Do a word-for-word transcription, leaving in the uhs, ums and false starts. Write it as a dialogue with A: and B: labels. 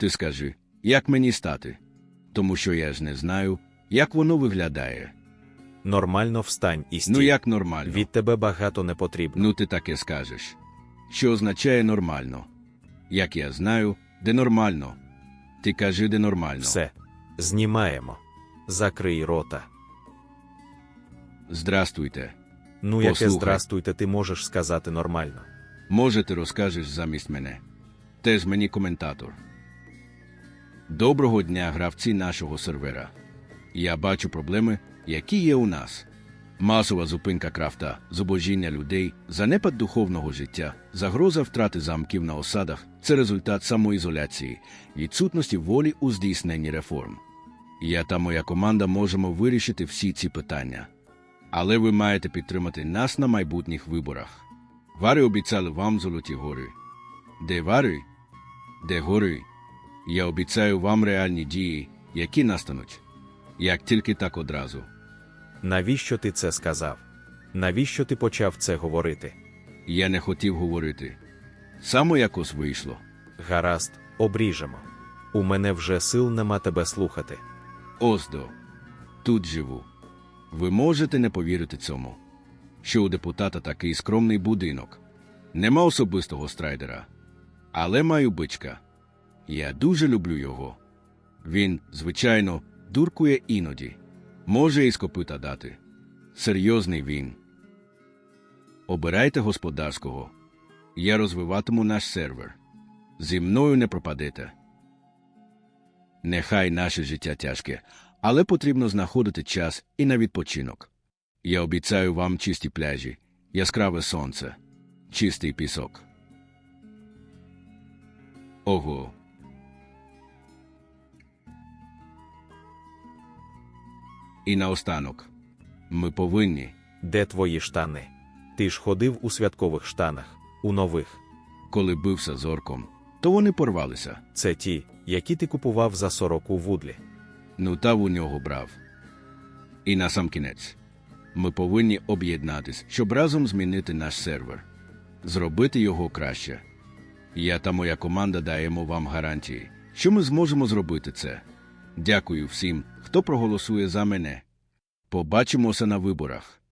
A: Ти скажи, як мені стати? Тому що я ж не знаю, як воно виглядає.
B: Нормально встань і стій.
A: Ну як нормально?
B: Від тебе багато не потрібно.
A: Ну ти таке скажеш. Що означає нормально? Як я знаю, де нормально? Ти кажи, де нормально.
B: Все. Знімаємо. Закрий рота.
A: Здрастуйте.
B: Ну яке
A: Послухай.
B: здрастуйте ти можеш сказати нормально.
A: Може, ти розкажеш замість мене. Теж мені коментатор. Доброго дня, гравці нашого сервера. Я бачу проблеми, які є у нас. Масова зупинка крафта, зубожіння людей, занепад духовного життя, загроза втрати замків на осадах – це результат самоізоляції, відсутності волі у здійсненні реформ. Я та моя команда можемо вирішити всі ці питання. Але ви маєте підтримати нас на майбутніх виборах. Вари обіцяли вам золоті гори. Де вари? Де гори? Я обіцяю вам реальні дії, які настануть. Як тільки так одразу.
B: Навіщо ти це сказав? Навіщо ти почав це говорити?
A: Я не хотів говорити. Само якось вийшло.
B: Гаразд, обріжемо. У мене вже сил нема тебе слухати.
A: Оздо. Тут живу. Ви можете не повірити цьому. Що у депутата такий скромний будинок. Нема особистого страйдера. Але маю бичка. Я дуже люблю його. Він, звичайно, дуркує іноді. Може і з копита дати. Серйозний він. Обирайте господарського. Я розвиватиму наш сервер. Зі мною не пропадете. Нехай наше життя тяжке, але потрібно знаходити час і на відпочинок. Я обіцяю вам чисті пляжі, яскраве сонце, чистий пісок. Ого. І наостанок. Ми повинні.
B: Де твої штани? Ти ж ходив у святкових штанах, у нових.
A: Коли бився з орком, то вони порвалися.
B: Це ті, які ти купував за сорок у Вудлі.
A: Ну та у нього брав. І насамкінець. Ми повинні об'єднатись, щоб разом змінити наш сервер. Зробити його краще. Я та моя команда даємо вам гарантії, що ми зможемо зробити це. Дякую всім, хто проголосує за мене. Побачимося на виборах.